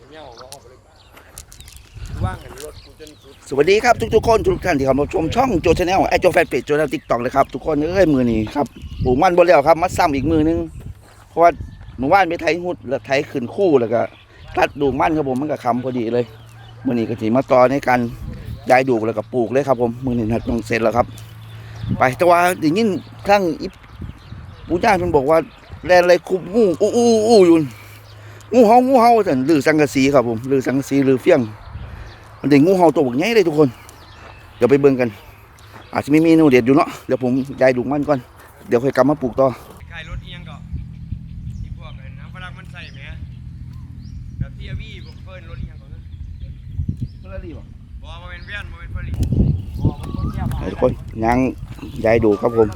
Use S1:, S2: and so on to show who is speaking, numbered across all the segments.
S1: สวัสดีครับทุกคนทุกท่านที่เข้ามาชมช่องโจชาแนลไอโจแฟนเพจโจในติ๊กต็อกเลยครับทุกคนมือนี้ครับปลูกมันบนแล้วครับมาซ้ำอีกมือนึงเพราะว่าหมู่บ้านไปไถหุดแล้วไถขึ้นคู่แล้วก็ตัดดูมันครับผมมันก็คำพอดีเลยมือนี้ก็ถีมาต่อในการย้ายดูแล้วก็ปลูกเลยครับผมมือนี้นัดต้องเสร็จแล้วครับไปแต่ว่าอย่างนี้ครั้งปู่ย่าเพิ่นบอกว่าแลนอะไรคุบงูอู้อยู่งูเห่าแต่ลือสังกะสีครับผมลือสังกะสีลือเฟี้ยงมันเด็กงูเห่าตัวใหญ่เลยทุกคนเดี๋ยวไปเบิ่งกันอาจจะไม่มีเมนูเด็ดอยู่เนาะเดี๋ยวผมย้ายดูมันก่อนเดี๋ยวค่อยกลับมาปลูกต่อ
S2: ขายรถเอียงก็ที่พวกน้ำฝรั่งมันใส่ไหมแบบพี่วี่ผมเฟิร์นรถเอียงก่อนนะ
S1: เฟอร์รารี่บ่
S2: บ่มาเป็นเวียนมาเป็นเฟอร์รี่
S1: ทุกคนยังย้ายดูครับผม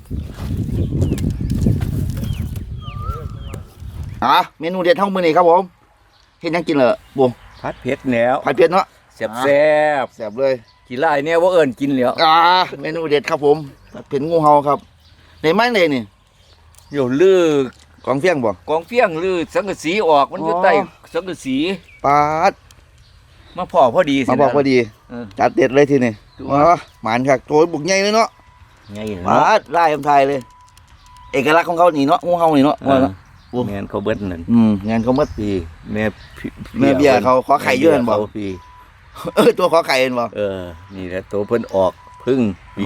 S1: เมนูเด็ดเท่ามื้อนี้ครับผมเฮ็ดยังกินเหรอบัว
S3: ผัดเผ็ดแล้ว
S1: ผัดเผ็ดเนาะ
S3: แซ่บ
S1: แซ่บเลย
S3: กินไรเนี่ยว่าเอิญกินแล้ว
S1: เมนูเด็ดครับผมผัดเผ็ดงูเห่าครับในไม้เลยนี่
S3: อยู่ลือก
S1: องเฟี้ยงบ่
S3: กองเฟี้ยงลือสังกะสีออกมันอยู่ใต้สังกะสี
S1: ปาด
S3: มาพอดี
S1: มาพอดีจัดเด็ดเลยทีนี้หมานครับโถบุกใหญ่เลยเนาะ
S3: ใหญ่
S1: ปาดไล่คำไทยเลยเอกลักษณ์ของเขานี่เนาะงูเห่านี่เนาะ
S3: แม่นเขาเบิดนั่น
S1: งานเขาเบิด
S3: ปีแม่
S1: เบี้ยเขาขอไข่เยอะบ่
S3: ปี
S1: ตัวขอไข่เห็นบ่
S3: นี่แหละตัวเพิ่นออกพึ่งปี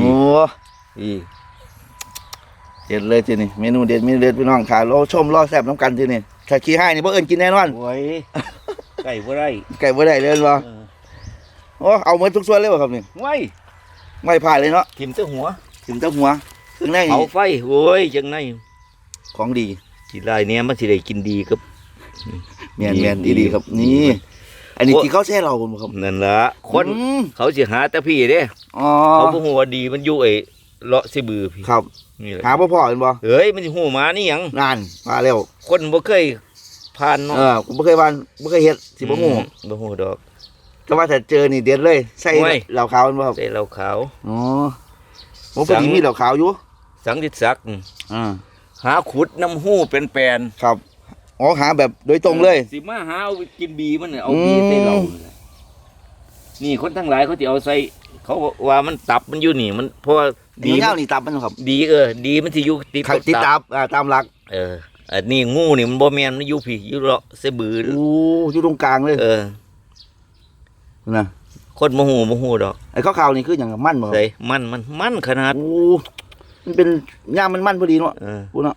S1: เด็ดเลยทีนี้เมนูเด็ดพี่น้องค่ะรอชมรอแซ่บน้ำกันทีนี้ถ้าขี้ให้นี่บ่เอิ้นกินแน่นอน
S3: โอ้ยไก่บ่ได้
S1: เลยบ่โอ้เอาหมดทุกส่วนเลยบ่ครับนี่ไม่ผ่านเลยเนาะ
S3: ทิ่มเต้าหัว
S1: เครื่องใน
S3: เผาไฟโอ้ยจังไง
S1: ของดี
S3: กินไรเนี่ยมันสิได้กินดีครับ
S1: แม่นดีครับนี่อันนี้ที่เขาแช่เราบ่ครับ
S3: นั่นล่ะคนเขาสิหาแต่พี่เด้เขาบ่ฮู้ว่าดีมันอยู่ไอ้เลาะสิบือพี่
S1: ครับหาบ่พอเห็นบ่
S3: เฮ้ยมันสิฮู้มานี่หยัง
S1: นั่นมาแล้ว
S3: คนบ่เคยผ่านเนาะ
S1: ผมบ่เคยผ่านบ่เคยเฮ็ดสิบ่ฮู้
S3: ดอก
S1: แต่ว่าถ้าเจอนี่เด็ดเลยใส่เหล้าขาวบ่ครับ
S3: ใส่เหล้าขาว
S1: ผมพอดีมีเหล้าขาวอยู่
S3: สังดิศักดิ์หาขุดน้ำหู้เป็นแปลน
S1: ครับหาแบบโดยตรงเลย
S3: สิมาหาเอากินบีมันเนี่ยเอาบีใส่เรานี่คนทั้งหลายเขาจะเอาใส่เขาว่ามันตับมันอยู่นี่มันเพราะ
S1: ดีเงานี่ตับมันครับ
S3: ดีดีมันสิอยู่
S1: ติดตับตามหลัก
S3: อันนี้งูนี่มันบ่แม่นมันอยู่พี่อยู่เลาะเสบือ
S1: อยู่ตรงกลางเลยนะ
S3: คนโมโหดอก
S1: ไอ้ข้าวนี่คืออย่างมันเหรอ
S3: ใส่มันขนาด
S1: มันเป็นย่างมันพอดีเนาะพูดเนาะ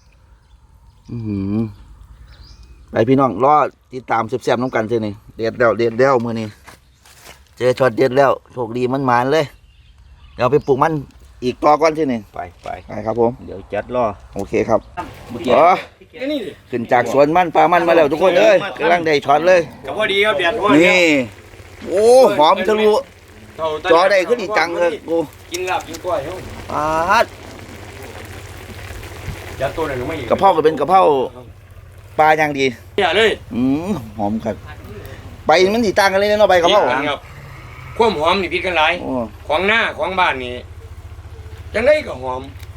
S1: ไปพี่น้องรอติดตามแซ่บๆน้องกันเท่านี้เด็ดแล้วมือนี้เจอช็อตเด็ดแล้วโชคดีมันหมานเลยเดี๋ยวไปปลูกมันอีกต่อก่อนเท่านี้
S3: ไป
S1: ครับผม
S3: เดี๋ยวจัดรอ
S1: โอเคครับขึ้นจากสวนมันปลามันมาแล้วทุกคนเลยกำลังได้ช็อตเลย
S2: กับพอดีครับเด็ด
S1: นี่โอ้หอมทะลุจอได้ขึ้นอีกจังเลยกู
S2: กินลาบกินกล้วย
S1: ปาด
S2: ยัดตัวไหนก็ไม่
S1: กระเพราก็เป็นกระเพราปลาอย่างดี
S2: อย่าเลย
S1: หอมครับใบมันสีต่างกันเลยเนาะใบกระเพรา
S2: ครับความหอมนี่พิษกันหลายของหน้าของบ้านนี่จังได้ก็หอม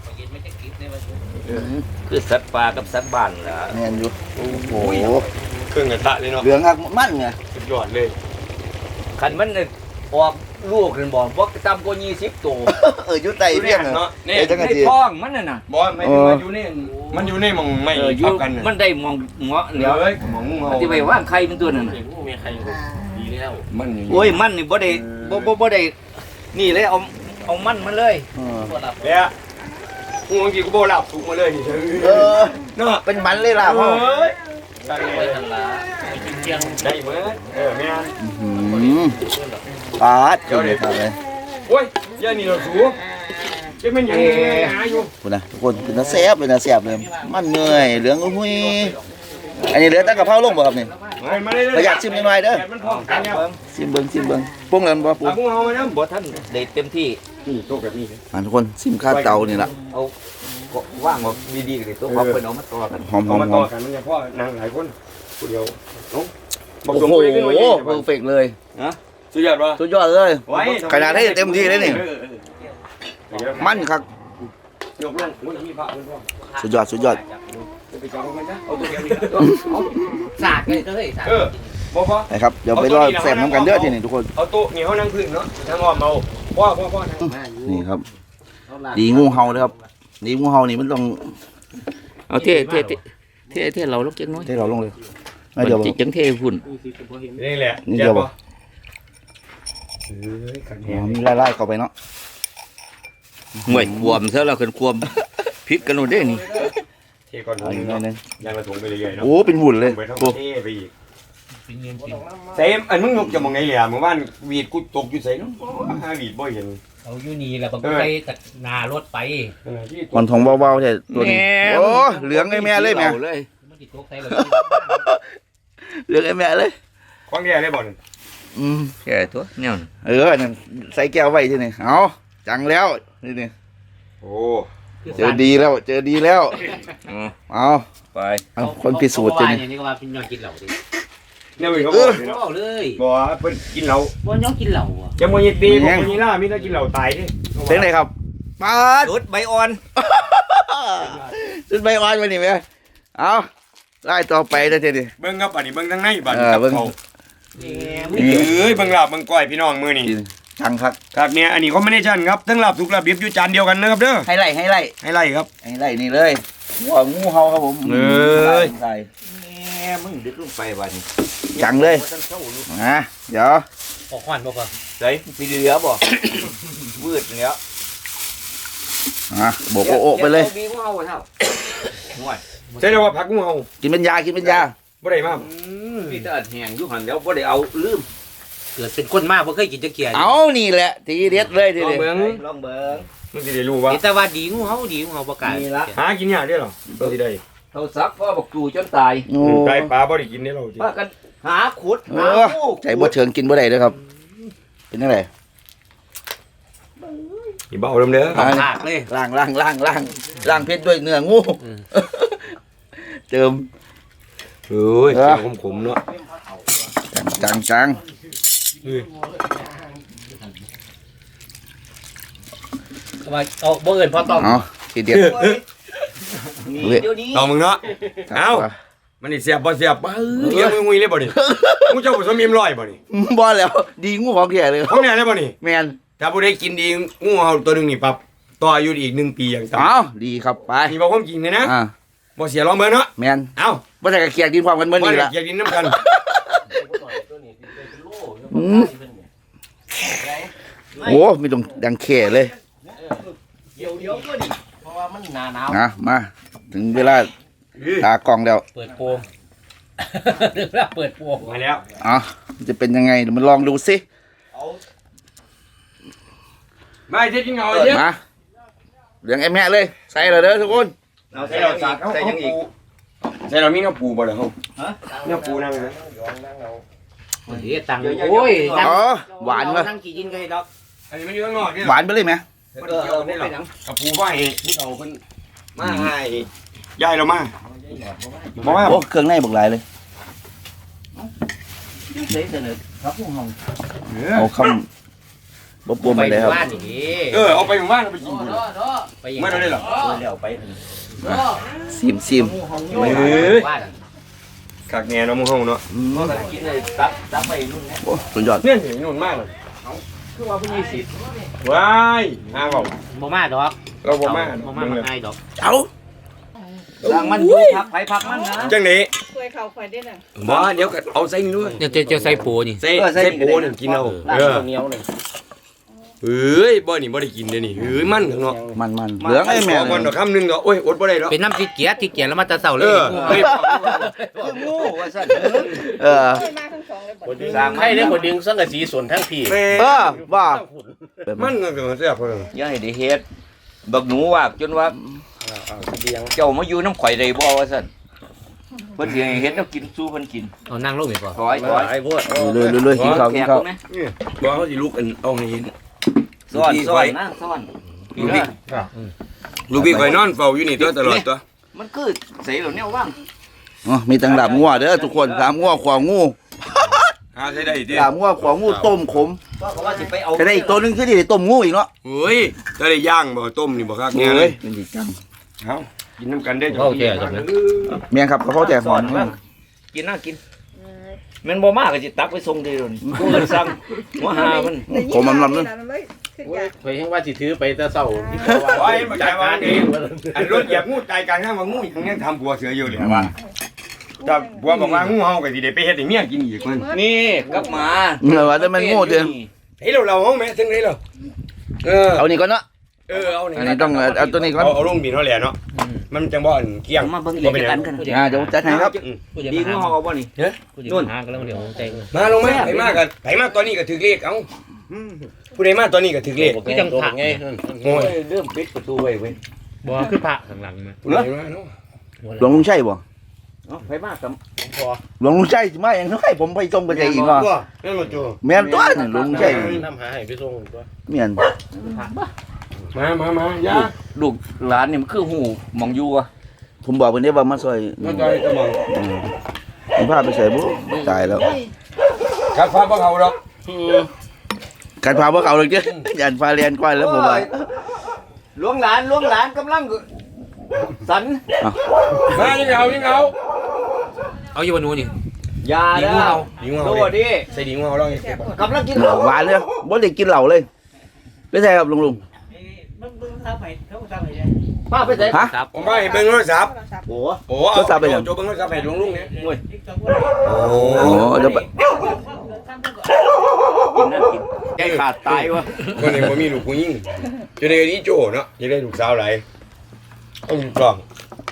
S3: คือสัตว์ป่ากับสัตว์บ้านล่ะ
S1: แม่นอยู่โอ้โห
S2: เครื่องกระทะเลยเนาะ
S1: เหลืองหักมันไง
S2: สุดยอดเลย
S3: ขันมันออกลูกเลยบอกว่าตามกว่า20ตัว
S1: อยู่ใต้เพียง
S2: เนาะ
S3: ในท้องมันน่ะ
S2: บอลไม่ได้มาอยู่นี่มันอยู่นี่มองไม่
S3: ทับกันมันได้มองเงาะเหลียว
S2: มองเงาะ
S3: ที่ไปว่างใครเป็นตัวนั่น
S2: มีใครดีแล้ว
S3: มันโอ้ยมันนี่บ่ได้นี่เลยเอามันเลย
S2: เนี่ยกูบางทีกูโบราบถูกมาเลยนี่
S1: เนาะเป็นมันเลยล่ะพ่อ
S2: ไปทางลาได้เหมือนแม่
S1: ปาดเดี๋ยวเลย
S2: โอ้ยย่านี่เราสูงจะเป็นยังไงหาอยู่
S1: คุณนะทุกคนคือน่าแซ่บเลยมันเหนื่อยเหลืองอุ้ยอันนี้เหลือตั้งกับเผาลงบ่ครับนี่ประหยัดชิมหน่อยเด้อชิมเบิ้งปุ้งแล้วบ่ปุ้ง
S2: เอาไว้นะ
S3: บ่ท่านได้เต็มที่
S2: โต๊ะแบบนี้
S1: ทุกคนชิมข้าวเตานี่ล่ะ
S3: เอาว่างดีๆเลยตัวพอเพิ่นเอามาต่อกัน
S1: หอม
S2: มาต่อกันมันจะพ่อนางหลายคนผู้เดียว
S1: โอ้โหเพอร์เฟกต์เลย
S2: นะสุดยอดวะ
S1: สุดยอดเลยขนาดให้เต็มที่เลยนี่มันครับสุดยอด
S2: สากเลยเฮ้ยสากบ่พอ
S1: นะครับเดี๋ยวไปรอแซมน้ำกันเด้อทีนี้ทุกคน
S2: เอาโต๊ะนี่เฮานั่งพื้นเนาะถ้ามอมเอาพ่อนั่ง
S1: นี่ครับดีงูเห่าเลยครับดีงูเห่านี่มันต้อง
S3: เอาเท่เราลูกเจ๊งน้อย
S1: ให้เราลงเลยไม่เดี๋ยว
S3: จิจังเท่ฝุ่น
S2: นี่แหละ
S1: นี่เดี๋ยว
S2: บ่
S1: บ่
S2: เอ้ยขันแห
S1: อ๋อง มีไล่ๆเข้าไปเนาะ
S3: ห่วยควมซะแล้วขึ้นควมพิษกันโน่นเด้นี่
S2: เทก่อน
S1: เอาอีกหน่อยหนึง
S2: ยังละถุงไปเรื่อยๆเนาะ
S1: โอ้เป็นหุ่นเลย
S2: ไปทั้ง
S1: โอ้
S2: เทไปอีกเต็มอันมึงยกจะมองไงเหลี่ยเมื่อวานวีดกูตกอยู่ใส่น้ำหาวีดบ่เห็น
S4: เอาอยู่นี่แหละบางไปตัดหน้ารถไป
S2: ที่
S1: มันทองเบาๆใช่ตัวนี้โอ้เหลืองไอ้แม่เลยแม่
S3: เลย
S4: มันติดตกใส่รถ
S1: เหลืองไอ้แม่เลย
S2: ควางแย่ได้บ่น
S1: อืม
S3: แก่ตัวเนี่ย
S1: นั่นใส่แก้วไว้ที่นี่เอาจังแล้วนี่
S2: โอ้
S1: เจอดีแล้วเจอดีแล้วเอา
S3: ไป
S1: เอาคนพิสูจน์ที่นี่
S4: อย่างนี้ก็ว่าเป็นย้อนกินเหล้าดิ
S2: เนี่ยมึงเขาบอกเลยเนาะ
S4: บอกเลย
S2: บอกว่าเพิ่นกินเหล้า
S4: ว่าย้อนกินเหล้าอ่ะ
S2: จะมวยตีบอกมวยล่ามีแต่กินเหล้าตายดิ
S1: เสียงไหนครับปาด
S3: รถใบอ่อน
S1: สุดใบอ่อนไปนี่แม่เอาไล่ต่อไปได้ทีนี้
S2: เบิ่งครับบัดนี้เบิ่งทางในบัด
S1: เอ
S2: นี้
S1: อ
S2: กับ
S1: เบิ่ง
S2: เขา
S4: นี่
S2: เอ้ยเบิ่งลาบเบิ่งก้อยพี่น้องมื้อนี้
S1: จังครับ
S2: ครับเนี่ยอันนี้เขาไม่ได้ชั่นครับทั้งลาบสุกลาบดิบอยู่จานเดียวกันนะครับเด้อ
S1: ให้ไล่
S2: ให้ไล่ครับ
S1: นี่เลยหัวงูเห่าครับผม
S2: เอ้ย
S1: ใส่
S3: แม่มึงดึกลงไปวันนี้
S1: จังเลยนะเดี๋ยว
S4: ออกควันบอกว่า
S3: ใส่มีเหลือบ่วืดเนี้ย
S1: โบกโอ้ไปเลย
S3: มีพวกเอาเท่าห่วย
S2: ใช่แล้วว่าผักงูเห่า
S1: กินเป็นยากินเป็นยา
S2: บ่ได้มา
S3: พี่ตาแห้งอยู่หันแล้วบ่ได้เอาลืม
S4: เกิดเป็นคนมากเพราะเคยกินจะเกียร์
S1: เอานี่แหละทีเด็ดเลยที
S2: ลอง
S1: เด็ด
S2: เบิ่ง
S3: ลองเบิ่ง
S2: มึงสิได้รู้ว่า
S4: แต่ว่าดีงูเห่าประกาศ
S3: นี่ละ
S2: หากินยากเด้อเหรอเราสิได้
S3: เขาซักพ่อบอกจู่จนตาย
S1: โอ้
S2: ไก่ปลาบ่ได้กินเด้อเราสิ
S3: ว่ากันหาขุด
S1: เอ
S3: หา
S1: อ
S3: งู
S1: ใจบ่เชิงกินบ่ได้เลยครับ เป็นยังไง
S2: อีเบาเริ่มเด้อ
S1: อ่า
S4: ภาคเลย
S1: ล่างเพชรด้วยเนื้องู เติม
S2: เอ้ย
S1: เออ
S2: เกี่ยวขมๆเนาะ
S1: จัง
S2: เอ้ย
S4: ว่าเอาบ่เอิญพอต้อง
S1: เอาทีเด็ด
S3: นี่เดี๋ยวนี้
S2: ลองมึงเนาะ เอ้า มันนี่เสียบบ่เสียบเกี่ยวมือเลยบ่นี่มึงเจ้าผสมเอ็มร้อยบ่นี่
S1: บ่แล้ว ดีงูของแก่เลย
S2: ของแน่ได้บ่นี่
S1: แมน
S2: ถ้าผู้ใดกินดีงูเห่าตัวหนึงนี่ปรับต่ออายุอีก1 ปีอย่างต่ำ
S1: เอาดีครับไป
S2: นี่บอกความจริงเลยนะ
S1: อ่า
S2: บ่เสียลองเบิ่งเนาะ
S1: แมน
S2: เอ้า
S1: บ่ใช่กระเคียงกินความกันเมื่อ
S2: บ่
S1: นี้
S2: ได้
S1: ละ
S2: เกียกดินน้ำกัน
S1: โอ้ไม่ต้องดังแข่เลย
S4: เดี๋ยวก็ดิเพราะว่ามันหนาว
S1: นะมาถึงเวลาตากล้องแล้ว
S4: เปิดโปงเรื่องเปิดโปง
S2: มาแล้ว
S1: อ่ะมันจะเป็นยังไงเดี๋ยวมันลองดูสิ
S2: มาเฮ็ดกินเอาเด้อ
S1: มาเหลืองไอ้แม่เลย ใส่เลยเด้อทุกคน
S3: เอาใส่เราสักใส่ยังอีก
S2: ใส่เรามีน้ำปูบ่ล่ะเฮาน้ำปูนั่งนะ
S4: เดี๋ยวตังค์โอ้ยนั่ง
S1: อ๋อหวานเลย
S4: นั่งกี่ยินก็ได้ดอก
S2: อันนี้มันอยู่ข้างนอกเนี่ย
S1: หวานไปเลยไหม
S2: บ่ได้เกี่ยวกันได้หรอกกับปูว่าให้ผู้เฒ่าเพิ่นมาให้ยายเรามาบ่ว่า
S1: โอ้เครื่องในบักหลายเลย
S3: ใส่เสนอครับพวกเฮา
S1: เอาคำบ่ปวมไปเลยครับ
S4: บ้านอย่างนี้
S2: เอาไปหมู่บ้านเอาไปกินบุญ
S4: ไปยัง
S2: ไม่ได้หรอ
S3: แล้วไป
S1: ซิม
S4: บ้าน
S2: คักแน่เนาะหมู่เฮาเนาะ
S3: ก็กินเลยตับไปนู่นนะ
S1: โอ้สุดยอด
S2: เนี่ยเห็นนุ่นมากเลย
S3: คือว่าผู้20
S2: ว้ายอ้าวเว้า
S4: บ่มาดอก
S2: เราบ่มา
S4: บ่มาง่ายดอก
S1: เอา
S3: สร้างมันอยู่พักไปพักมันนะ
S2: จังได๋
S5: ช่วยเขาคอยได้น่ะ
S2: บ่เดี๋ยวก็เอาใส่นี่ด้วย
S4: เดี๋ยวจะใส่ปูนี่
S2: ใส่โปนี่กินเอา
S3: ลาบเหนียวเลย
S2: เอ้ยบ่นี่บ่ได้กินเด้นี่เอ้ยมันข้างนอก
S1: มันเหลืองไอ้แม่
S2: ขอก่อนดอกคำนึงดอกโอ้ยอดบ่ได้ดอก
S4: เป็นน้ำติดเกียร์แล้วมาแต่เช้าเล
S2: เอย อเฮ้ย
S3: คืองูว่าซั่น
S1: เออ
S5: เคยมาทั้งสองเลยบ่
S3: สร้าง
S6: ใครได้คนดึงสังกะสีส่วนทั้งพี่
S2: แม่
S1: เออว่า
S2: มันก็แซ่บเพิ่น
S3: อย่าให้ได้เฮ็ดบักหนูว่าจนว่าเจ้ามาอยู่น้ำข่อยได้บ่ว่าซั่นเพิ่นสิให้เฮ็ดแล้วกินสู้เพิ่นกิน
S4: เอานั่งลงไปก่อน
S3: ถอย
S6: ไอ้พวก
S1: เลยกินข้าวกินข้าว
S3: นะ
S2: บ่เขาสิลุกอันเอาให้เห็น
S3: ซ่อนนะซ่อน
S2: ลูกพี่ลูกพี่ข่อยนอนเฝ้าอยู่นี่ตัวตลอดตัว
S3: มันคือใส่แล้วแนวว่าง
S1: อ๋อมีตังดาบงัวเด้อทุกคนดาบงัวขวางงู
S2: หาใช้ได้ดิ
S1: ดาบงัวขวางงูต้มขม
S3: ก็ว่าสิไปเอา
S1: แต่ได้อีกตัวหนึงคือที่ได้ต้มงูอีกเนาะ
S2: เฮ้ยถ้าได้ย่างบ่ต้มนี่บ่คักแน่เล
S1: เอ้
S2: ย
S1: ยเป็นดีจัง
S2: เอ้ากินน้ำกันได้อ
S4: เข้าใจจังนะ
S1: เมียครับกระเพาะแต่หอน
S3: กินน่ากินแม่นบ่มากก็สิตักไปส่งเด้อนี่กูก็สั่งหัวหามัน
S1: ผมมัน
S5: เล
S1: เลย
S5: ยขึ้น
S6: โอ้
S5: ยาย ก
S6: ข่อยยังว่าสิถือไปแต่เช้าที่บอกว่า
S2: โอ้ยมันใจว่านี่อันรถเหยียบงูตายกลางทางว่างูอีกยังทำบัวเสืออยู่เลยว่าถ้าบัวบอกว่างูเฮาก็สิได้ไปเฮ็ดให้เมียกินอีกมัน
S3: นี่กับหมา
S1: ว่าแต่มันโง่เด้อ
S2: เฮ้ยเราเฮาแม่ถึงไหนเรา
S1: เอานี่ก่อนเนาะ
S2: เอา
S1: อันนี้ต้องเอาตัวนี้ก่อน
S2: เอาลงบินเฮาแหละเนาะมันจังบ่อันเกี้ยง
S3: มาเบิ่งอีกกันกัน
S1: เดี๋ยวจัดให้ครับ
S3: ดีงูเฮาเอาบ่นี่
S6: นู่นหากันแล้วเดี๋ยวใจง
S2: มาลงมาไปมาตอนนี้ก็ถึกเลขเอ้าผู้ใดมาตอนนี้ก็ถึกเลข
S6: คือจังผักไง
S2: โอ้ย
S3: เริ่มปิดประตูไว้เว้ย
S6: บ่คือผักข้างหลังมา
S2: ผู้ใดมาเนาะ
S1: หลวงลุงชัยบ่
S3: เอ้าไปมากับ
S6: พอ
S1: หลวงลุงชัยสิมาอย่างน้อยผมไปส่งไปใจอีกเนาะ
S2: นั่นบ่จู
S1: แม่นตัวนี่หลวงลุงชัย
S6: น้ำหาให้ไปส่งตัว
S1: แม่น
S2: มาย่า
S3: ลูกหลานนี่มันคือหูมองอยู่อ่ะ
S1: ผมบอกเพิ่นได้ว่ามาซอย
S2: มาจอยก็มอง
S1: ผมพาไปใส่บ่ตายแล้ว
S2: ครับฟ้าบ่เขาดอก
S1: การพาบ่เขาเลยเด้ยันฟ้าเรียนก้อยแล้วผมว่า
S3: หลวงหลานกำลังสัน
S2: มายังเอา
S6: เอาอยู่บนนู้นนี่
S3: ยาเด้อ
S2: ดีงู
S3: ดู
S2: เอา
S3: ดิ
S2: ใส่ดีงูเอาแล้ว
S3: กำลังกินเหล้า
S1: หวานเลยบ่ได้กินเหล้าเลยไปใส่ครับลุง
S3: ป้าไปไหน
S1: ฮะ
S2: ผมมาให้เบิ่งโทรศัพท์
S3: โอ้
S2: โอ้เอาโจเบิ่งโทรศัพท์ให้ลุงเนี่ยโอ้
S1: โอ้เดี๋ยวไป
S3: กินนั่นกินใจขาดตายวะ
S2: คนนี้บ่มีลูกผู้หญิงจะได้ดีโจเนาะจะได้ลูกสาวหลายเอาลูกกล่อง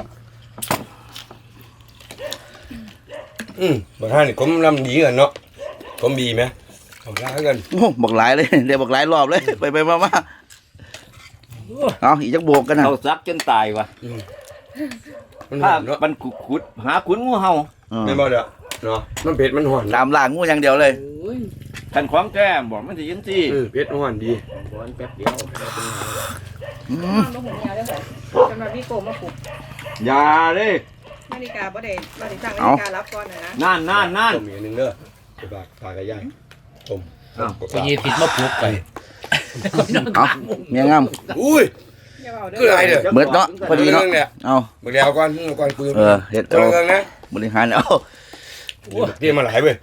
S2: บ่ท่านนี่ผมลำดีกันเนาะผมดีไหมเอาล้ากัน
S1: โอ้บักหลายเลยเดี๋ยวบักหลายรอบเลยไปมาเอาอีกจักโบกกันนะ
S3: เขาซักจนตายวะ
S2: มัน
S3: ถ้า
S2: เนาะ
S3: มันขุดหาขุนงูเห่า
S2: ไม่บ่เด้อเนาะมันเผ็ดมันหวาน
S1: ตามล่างงูอย่างเดียวเลย
S3: ขันของแก้มบอกมันจะยินที่
S2: เผ็ดหวานดี
S6: บ่แป๊บเดียว
S5: ลูกหัวเหนียวเลยค่ะจำนวนพี่โกมาปลุก
S3: ยาเด้
S5: นาฬิกาบ่ได้สั่งนาฬิการับก่อนนะ
S3: นั่น
S2: ต้มอีกนึงเด้อจะฝากกับยายต้ม
S6: ไปยีติดมาปลุกไป
S1: เอาเมียงาม
S2: อุ้ย
S5: อย่าเอาเด้
S2: คืออะไรเด้อ
S1: เบิดเนาะพอดีเนาะเอา
S2: มื้อเดียวก่อนคุย
S1: เฮ็ด
S2: ตัว
S1: เอา
S2: เรื่องนะ
S1: บริหารเอา
S2: เตรียมมาหลายเว้ย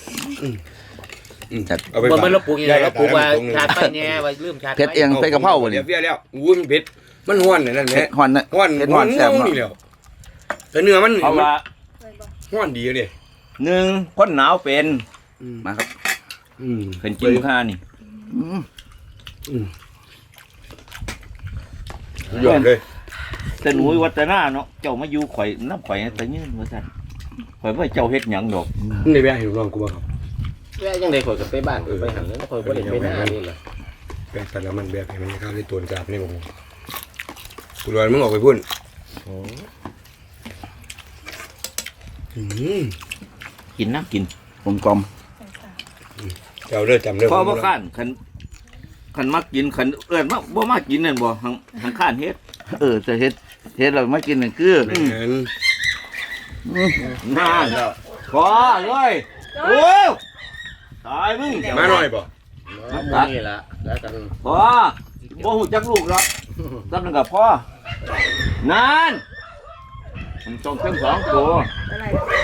S2: เอาไป
S6: บ่
S2: ฝาก
S6: มันเราปลุกยังไงเราปลุกว่าชาติไปแน่ว่าลืมชาติ
S1: เผ็ดเองใส่กะเพราบ่
S2: เดี๋
S1: นี่
S2: ยวเฟี้ยแล้วอุ้ยมันเผ็ดมันหวานนั่นแห
S1: เผ็
S2: ละ
S1: ดฮอนนะ
S2: หวาน
S1: เผ็ดฮอนแซ่บ
S2: นี่
S1: เนาะ
S2: แล้วแต่เนื้อมัน
S3: เพราะว่า
S2: หวานดีเลย
S3: หนึ่งคนหนาวเป็น
S1: มาครับ
S3: เป็นกินข้านี่
S2: ยอดเลย
S3: แต่หนูวัฒนาเนาะเจ้ามาอยู่ข่อยน้ำข่อยแต่ยืนว่าซั่นข่อยว่าเจ้าเฮ็ดหยังดอก
S2: นี่ได้ไปให้ลูกน้องกูบ่ครับ
S6: แม่ยังได้ข่อยกับไปบ้านไปหันแล้วข่อยบ่ได้ไปหน้านี่ล่ะ
S2: แบกแต่ละมันแบกให้มันเข้าในตัวจับนี่ผมกูรอมึงออกไปพุ่น
S3: กินน้ำกิน
S1: ผมกลม
S2: เจ้าเด้อจำเด้อ
S3: พอบ่ข้านคันมักกินคันเอื้อนมาบ่มากินนั่นบ่หังข้านเฮ็ด
S1: จะเฮ็ดเรามากินนี่คือ
S2: แม่น
S3: น่าพอเลยโอ้ตายมึง
S2: มาหน่อยบ่
S6: นี่ล่ะแล้วกัน
S3: พอบ่ฮู้จักลูกหรอกจำนึงกับพ่อนานมันต้องทั้งสองตัว
S5: อะไร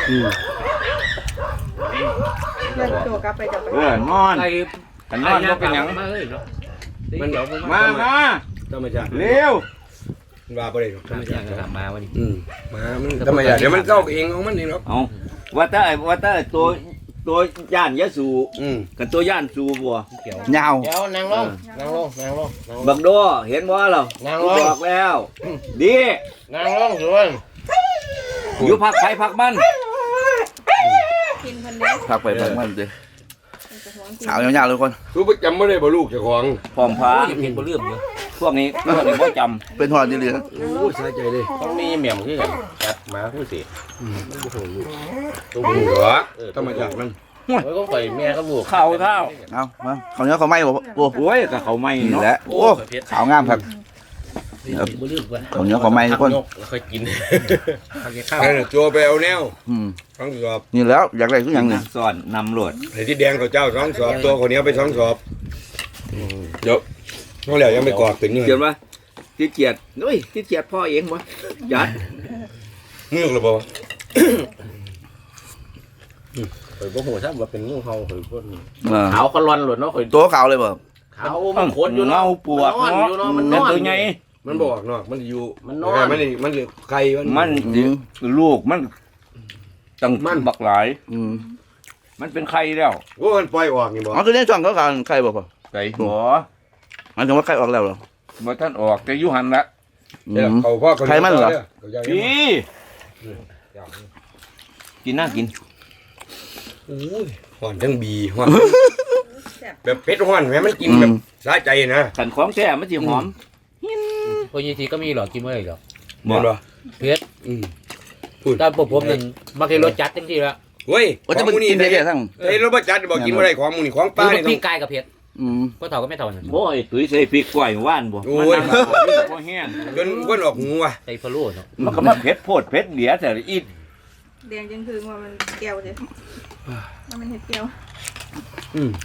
S5: เดินตัวกลับไปจับไป
S3: นอน
S6: ไอ้
S3: กันนอนบ่เป็นหยัง
S6: มาเลยเนาะ
S2: มัน
S3: มา
S2: ธรรมชาติ
S3: เร็ว
S2: มันว่าบ่ได้หรอกธรรมชาติ
S6: มาวันนี้
S2: มามันธรรมชาติเดี๋ยวมันเข้าเองของมันเองหรอก
S3: เอาว่าแต่ตัวย่านยะสูกับตัวย่านสูบัวย
S1: าว
S6: เดี๋ยวนางลง
S3: บักโดเห็นบ่ล่ะ
S6: นาง
S3: กู
S6: ลง
S3: บอกแล้ว ดี
S6: นางลงส่วน
S3: อยู่พักไปพักมัน
S5: กินคนเดียว
S1: พักไปพักมันเด้สาวยาวๆเลยคน
S2: รู้ประจำไม่ได้บ่ลูกเจ้าของ
S3: พร้อมพา
S6: เห็นบ่ลืมอยู่
S3: พวกนี้บ่จ
S1: เป็นฮอนนี่เลย
S2: โอ้สบายใจเลย
S6: ต้องมีแหม่มคือกันจัดมาผู้สิตัว
S2: โอ้
S6: ผู้
S2: โหธรรมชาติมัน
S6: โอ้ยก็ปล่อยแม่ก็ลูก
S1: เอามาเขาเนี้ยเขาไม่บ่โอ้
S3: ำโอ้ยกับเขาไม่
S1: นี่
S3: เนาะ
S1: แหละโอ้ขาวงามครับ
S6: บ่ลืมว่า
S1: เขาเนี้ยเขาไม่ทุกคน
S6: แล้วค่อยกินข้าว
S2: นั่นน่ะจัวไปเอาแนว
S1: อืม
S2: 2 สอบ
S1: นี่แล้วอยากได้ทุกอย่างนี่
S3: สอนนำรวด
S2: ไอ้ที่แดงเขาเจ้า2 สอบตัวคนนี้ไป2 สอบเดี๋ยวน้องแล้วยังไม่กรอกเป็นเนื้อ
S3: เขียนว่าที่เกียดเฮ้ยที่เกียดพ่อเองวะยัด
S2: เนื้อหรือเปล่า
S6: ข่อยบ่ฮู้ซะว่าเป็นงูเห่าข่อยบ่
S4: ขาวก็ร้อนหลุดเนาะข่อย
S1: ตัวขาวเลยบ่
S4: ขาวมันขนอยู่
S3: เงา
S4: เนาะ
S3: ปวก
S4: มันนอนอยู่เนาะมันนอน
S3: ตัวใหญ่
S2: มันบอกเนาะมันอยู่
S4: มันนอน
S2: มันไก่
S3: มันลูกมันตั้ง
S2: มัน
S3: บักหลาย
S1: อืม
S3: มันเป็นไข่แล้ว
S2: โอ้มันปล่อยออกนี่บ่
S1: อ๋อตัวนี้ช่องเขาการใครบ่พ่อ
S3: ไก่หัว
S1: หมายถึงว่าใครออกแล้วเหรอ
S3: บ่ท่านออกแต่อยู่หันละ
S1: อื
S2: เดี๋ยว
S1: ม
S2: เขาพ่อ
S1: ใครมันเหรอ
S3: พี่กินน่ากิน
S2: โอ้ยห่อนทั้งบีห่อน
S5: แซ่บ
S2: แบบเผ็ดห่อนแม่มันกินแบบสะใจนะ
S3: ขันของแท้มันสิหอม
S4: พวกนี้ทีก็มีหรอกกินเมื่อไหร่หรอก
S2: บ่
S4: เผ็ด
S2: อืม
S4: แต่ผมนึงมากินรสจัดจังที่ละ
S2: เว้ย
S1: ว่าจะเป็นกินได้แค่ทั้ง
S2: ไอ้รถบัสจัดบอกกินบ่ได้ของมึงนี่ของป้า
S4: คือ
S2: นี่
S4: มัน
S2: ต้อ
S4: พี่
S2: ง
S4: กายกับเผ็ด
S1: อืม
S4: ก็เท่าก็ไม่เท่านั่น
S3: โอ้ยตุ้ยใส่พริกกล้วยว่านบ่
S2: โอ้
S3: มัน
S2: ย
S3: น้ำมันบ่แห้ง
S2: จนก้นออกหูว่ะ
S4: ใส่ฟะโล่เนาะ
S3: มันก็มาเผ็ดโพดเผ็ดเหลียแต่อี
S5: แดงจังคือว่ามันแก้วเลยว่ามันเห็ดแก้ว
S2: อืม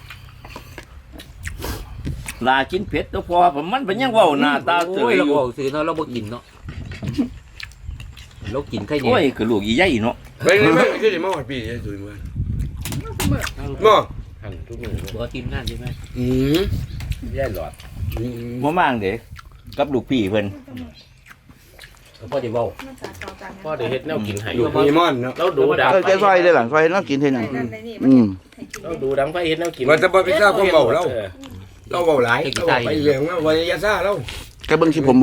S3: ลากินเผ็ดตัวพอมันเป็นยังเว้าหน้าตาเต
S4: โอ้ย
S3: ย
S4: เรา
S3: อยู่
S4: บอกซื้อเนาะเราบ่กินเนาะเรากินแค่
S3: โอ้
S4: นี้
S3: ยคือลูกอีใหญ่เนาะ
S2: ไปนี่มันคือสิมาหอดปีนี่สุดมื้อบ่
S6: หั่นทุกมื้อ
S4: บ่ทีมงานใช่ไหม
S2: อืม
S6: ย่ายหลอด
S3: บ่มางเด้กับลูกพี่เพิ่น
S4: พ่อจะเว้า
S5: มันสาเก่าจัง
S6: พ่อได้เฮ็ดแนวกินให้
S2: ลูกมีมอนเนาะ
S6: เราดูดัง
S1: แกซอยได้หลังซอยนั่งกินเท่านั้น
S5: นั่นในนี่
S1: อืม
S5: ให้กิน
S6: เราดูดังไฟเฮ็ดแนวกิน
S2: ว่าจะบ่ไปซ่าความเบาเราเราเบาหลายเราไปเรื่องว่าวันยาซ่าเรา
S1: แกเบิ่งคลิปผมบ่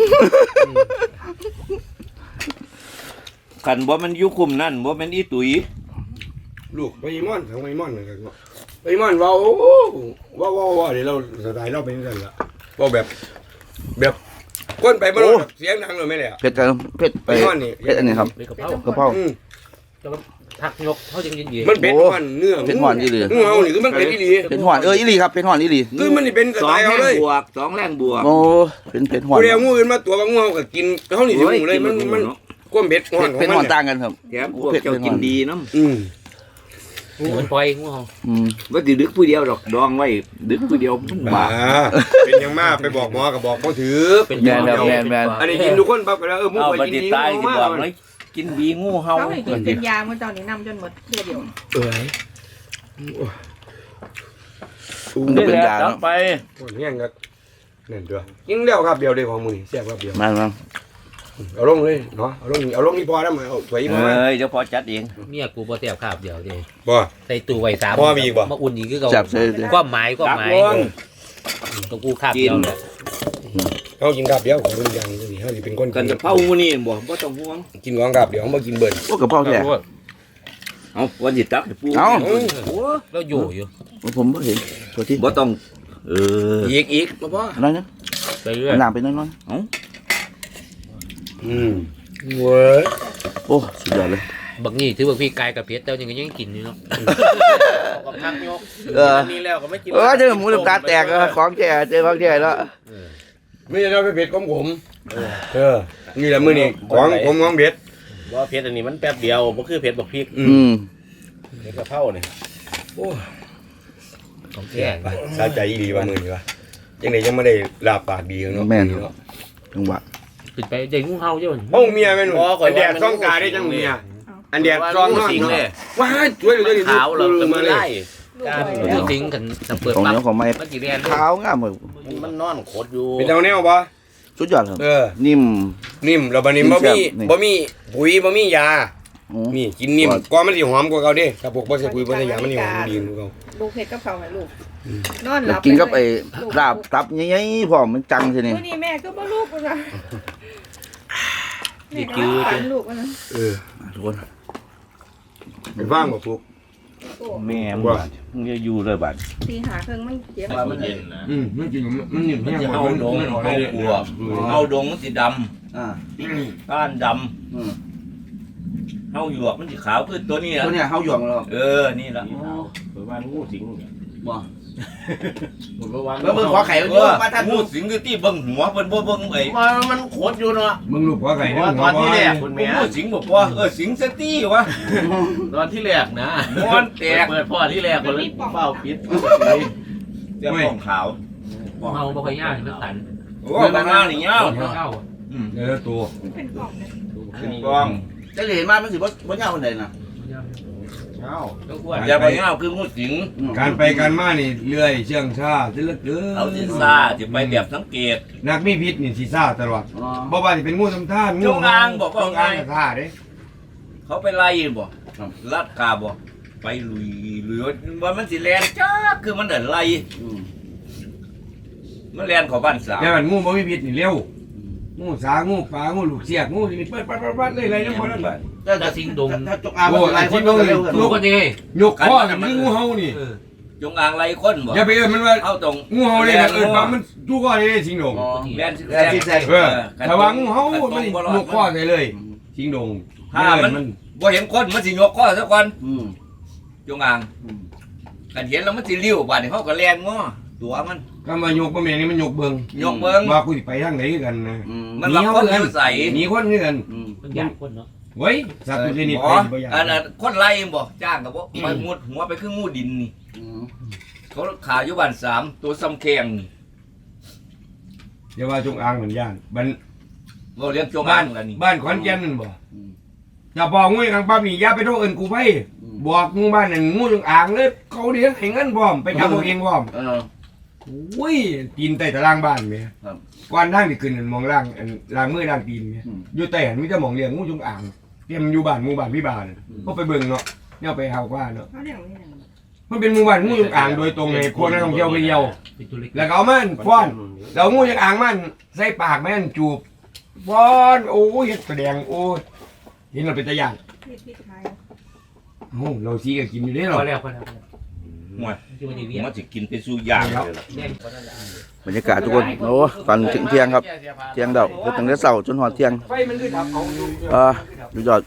S3: คันบ่มันอยู่คุมนั่นบ่แม่นอีตุ้ย
S2: ลูกไปมอนของไปมอนเลยครับไปมอนเว้าว้าเดี๋ยวเราสไตล์เราเป็นจังซั่นล่ะเว้าแบบก้นไปบ่รู้เสียงดังเลยแม่เลยอ่ะ
S1: เผ็ดกันเผ็ดไป
S2: ไปมอนนี่
S1: เผ็ดอันนี้ครับ
S4: เลยกะเพราก
S1: ระเพรา
S2: อืม
S4: ทักยกเขาจังยิน
S2: มันเป็นห่อนเนื้อ
S1: เผ็ดห่อนอีหลี
S2: งูเห่านี่คือมันเป็นอีหลี
S1: เผ็ดห่อนอีหลีครับเผ็ดห่อนอีหลี
S2: คือมันนี่เป็นส
S3: สอ
S2: ไต
S3: ง
S2: ล์
S3: แร
S2: เอา
S3: ง
S2: เลย
S3: บวกสองแรงบวก
S1: โอ้เป็นเผ็ดห่อน
S2: ผู้เดียวงูอื่นมาตัวบางงูเห่าก็กินเฮานี่สิงูเลยมันก้มเบ็ดห่อนของ
S1: เผ็ด
S2: มั
S1: ห่อน
S2: น
S1: ต่างกันครับ
S3: แถมพวกเจ้ากินดีน้ำ
S2: อืม
S4: ๆมันปล่อยงูเห่า
S1: อืม
S3: ว่าสิดึกผู้เดียวดอกดองไว้ดึกผู้เดียวมัน
S2: บ้า
S3: บา
S2: เป็นยังมาไปบอกหมอก็บอกบ่ถือ
S4: เป็น
S1: แมนแบบแมนแมน
S2: อันนี้กินทุกคนปั๊บก็แล้วมู
S3: เอา
S2: ไป
S3: บัด
S2: กิน
S3: นี้
S2: ดี
S3: ตายสิ
S2: มาก
S3: บอกเลยกินบีงูเห่า
S5: เขาให้กินเป็นยาเมื่อตอนนี้นำจนหมดเดียว
S2: เอ้ย
S1: มันก็
S3: นี่
S1: เป็น
S3: แหละ
S1: ยา
S3: ต่อ
S1: เนาะ
S3: ไป
S2: คนเฮียงก็นั่นตัวยิงเดียวครับเดียวเดียวของมือแซ่บครับเดียว
S1: มามา
S2: เอาลงเลยเนาะเอาลงนี่พอแล้วมาเอาสวยพอ
S3: เอ้ยเจ้าพอจัดเอง
S4: เมียกูบ่แซ่บคาบเดียวเด้
S2: บ่
S4: ใส่ตู้ไว้3
S2: พ่อมีอีกบ่
S4: มาอุ่นอีกคือเก่า
S1: จับใส่เลย
S4: ความหมาย
S3: ตักลง
S4: ตัวกูคาบเดียวแหละ
S2: เอากินกับเดียวของรุ่นอย่างนี้เฮาสิเป็นคน
S3: กันจะเผาหมูนี่บ่ต้องห่วง
S2: กินของกับเดียวบ่กินเบิ่น
S1: โอ้กระเพราแท้
S3: เอาวันสิตักให้ปู
S1: เอา
S4: แล้วอยู่
S1: ผมบ่เห็นตัวที่
S3: บ่ต้องเออ
S2: อีกบ่พอ
S1: อะไรนะ
S4: ไปเรื่อย
S1: น้ำไปน้อย
S2: อืมเว้ย
S1: ๆโอ้สุดยอดเลย
S4: บักนี่ถือว่าพี่กายกับเพชรแต่ยังกินอยู่เนาะ
S6: กับพักยก
S1: เออ
S6: นี่แล้วก็ไม่กิน
S1: เจอหมูน้ำตาแตกของแท้เจอของแท้แล้ว
S2: ไม่ใช่เราไปเผ็ดของผมนี่แหละมื้อนี้ของผมของเบ็ด
S6: ว่าเผ็ดอันนี้มันแป๊บเดียวบ่คือเผ็ดบักพริก
S1: อืม
S6: เผ็ดกะเพรานี่
S4: ของแท้
S2: ไปสาใจอีหลีว่ามื้อนี้วะจังได๋ยังไม่ได้ลาบปากดีเนาะ
S1: แม่นจังหวะ
S4: ขึ้นไปใจงูเห่าเจ้า
S2: ห้องเมียแม่นอันแดดซ่องกาได้จังเมียอันแดดซ่องนอน
S6: สิงเลย
S2: ว้าช่วยเหลือดิ
S6: ขาวเราก็มาไล่
S4: งูสิงกันเปิด
S1: ของ
S4: ปั๊บ
S1: เหนียวของไม้
S4: มันสิแลน
S1: ขาวงามเลย
S6: มันนอนโคตรอยู่
S2: เป็นเอาแนวบ่
S1: สุดยอดครับ นิ่ม
S2: นิ่มแล้วบัดนี้บ่มี
S1: นี่
S2: บ่มีปุ๋ยบ่มียา
S1: อืม
S2: นี่กินนิ่มกว่ามันสิหอมกว่าเก่าเด้ถ้าพวกบ่ใส่ปุ๋ยบ่ใส่ยามันสิหอมดีกว่าเก่า
S5: ลูกเห็ดกับเขาให้ลูกนอนห
S1: แล้
S5: ลั
S1: ว
S5: บ
S1: กินกับไอ้ลาบตับใหญ่ๆพร้อมมันจังทีนี่
S5: มื้อนี้แม่ก็บ่ลูกนะแม่ก็ฝันลูกนะ
S1: ทุกคน
S2: ไปฟังบ่พวก
S3: แม่มึงบาดมึงจะอยู่เลยบาด
S5: ตีหาเครื่องมันเจ็บ
S6: มันเย็นนะ
S2: มันกินมันนิ่ม
S3: มันจะเฮาดงเฮาปวกเฮาดงมันสิดำ
S1: อ่า
S3: ก้านด
S1: อืม
S3: ำเฮาหยวกมันสิขาวคือตัวนี้
S1: ตัว
S3: ล่ะ
S1: เนี้ยเฮาหยวงแล้ว
S3: นี่ล่ะ
S6: เปิดว่างูสิง
S1: บ่
S6: ผมก็ว่า
S1: แล้วมึงขอไข่มัน
S3: เอ
S1: อยู่
S3: อ
S1: มาท่าน
S3: งูสิงคือที่เบิ่งหัวเพิ่นบ่เบิ่งไอ้
S6: มันโคตรอยู่เนาะ
S2: มึงลูกหัวไก่
S6: เพราะว่าตอนที่แรกคุณแม่
S3: งูสิงบ่พอสิงสตี้วะ
S6: ตอนที่แรกนะ
S3: ม้วนแตก
S6: เปิดพ่อที่แรกคนเลยเป้าปิด
S3: เจ้าของขาว
S4: เห่าบ่ค่อยยากมันตัน
S3: โอ้บางงานนี่ยาว
S4: เห่า
S2: ตัว
S5: มันเป็นกล่องนะ
S3: เป็นกอง
S1: จะเห็นมามันสิบ่ยาวปานใดน่ะ
S6: มเอ้า
S4: ต้องควร
S3: อย่าไปเงาคืองูสิง
S2: การไปการมานี่เลื่อยเชื่องชาจะเลือกเกิน
S3: เอาสิซ่าจะไปแบบสังเกต
S2: นักมีพิษนี่สิซ่าตลอดบ่ว่าสิเป็นงูทำท่านงู
S3: จงอางบอกว่า
S2: จงอางท่าเด้
S3: เขาไปไล่บ่ลัดกาบ่ไปลุยว่ามันสิแลนจ้าคือมันเดินไล่มันแลนเข้าบ้านสาว
S2: แต่มันงูบ่มีพิษนี่เร็วงูสางูปลางูลูกเสียกงูนี่เปิดปัดเลยอะไรทั้งหมดนั่นแหละ
S4: ถ้าสิงดง
S1: ถ้าจกอางมันอะไรคนเร็วกัน
S4: รู้กันยังไง
S2: ยกข้อนี่มันงูเห่านี่
S3: จงอางไล่คนบ่
S2: อย่าไปเอิ้นมันว่า
S3: เอาตรง
S2: งูเห่าเลยนะเอิ้นว่ามันทุกข้อเลยสิงดง
S3: แลน
S1: แลนซิกแซก
S2: เออถ้าว่างูเห่ามันยกข้อใส่เลยสิงดง
S3: ถ้ามันบ่เห็นคนมันสิยกข้อซะก่อนจงอางกันเห็นแล้วมันสิลิ้วบาดนี้เขาก็แลนง้อตัวมัน
S2: ก็มายกบ่แม่นนี่มันยกเบิ่ง
S3: ยกเบิ่ง
S2: ว่ากูสิไปทางไหนกันนะ
S3: มันรับคนอยู่ใส่
S2: หนีคนคือกัน
S4: มันอยากคนเนาะ
S2: เว้ยสัตว์ตัวนี้
S3: บ่
S2: ไปบ่อยาก
S3: อันนั้นคนไล่บ่จ้างก็บ่ไปมุดหัวไปคืองูดินนี่เขาขายอยู่บ้าน3ตัวซ้ำแข้งนี่
S2: อย่าว่าจงอางเหมือนย่านบ้าน
S3: บ่เลี้ยงจง
S2: บ้า
S3: อาน งกันนี่
S2: บ้านขอนแก่นนั่นบ่อย่าบอกงูกลางปั๊บนี่อย่าไปโทษเอิ้นกูไปบอกงูบ้านนั่นงูจงอางเลยเขาเลี้ยงให้เงินพร้อมไปจับเอาเองพร้อมอุ้ยตีนใต้ตารางบ้านแม่ก่อนทางที่ขึ้นนั่นมองล่างอันล่างมือล่างตีนแม่อยู่ใต้หันมีแต่หมองเลี้ยงงูจงอางเตรียมอยู่บ้านหมู่บ้านพี่บ้านก็ไปเบิ่งเนาะเนี่ยไปหาว่าเนาะ
S5: เขาเรียกว่าอย่างไร
S2: มันเป็นหมู่บ้านงูจงอางโดยตรงเลยคนนักท่องเที่ยวไปเที่ยว
S4: เป็นตัวเล็ก
S2: แล้วก็เอามันฟ้อนแล้วงูจงอางมันใส่ปากแม่นจูบฟ้อนโอ้ยเฮ็ดแสดงโอ้ยเห็นเราเป็นตะยาน
S5: พี่ไทย
S2: โอ้เราซีก็กินอยู่ได้หร
S4: พ
S2: อ
S4: อแล้วพอแล้ว
S3: ห่วย
S4: ที่มันจะเวียน
S3: มันสิกินเป็นสู้ย่างเลยล่ะ
S4: แน่น
S1: บรรยากาศทุกคนโอ้ตอนถึงเที่ยงครับเที่ยงเดาตั้งแต่เช้าจนหอดเที่ยง
S2: ไฟมันคือทับเอาอยู่
S1: ดูยอด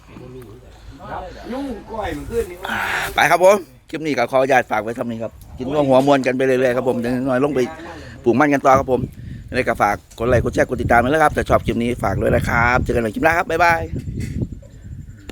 S2: ยุ่งก้อยมันขึ้นนี่
S1: ไปครับผมคลิปนี้ก็ขออนุญาตฝากไว้เท่านี้ครับกินร่วมหัวมวลกันไปเรื่อยๆครับผมยังน้อยลงไปปลูกมันกันต่อครับผมยังไงก็ฝากกดไลค์กดแชร์กดติดตามไปแล้วครับแต่ชอบคลิปนี้ฝากด้วยนะครับเจอกันใหม่คลิปหน้าครับบ๊ายบาย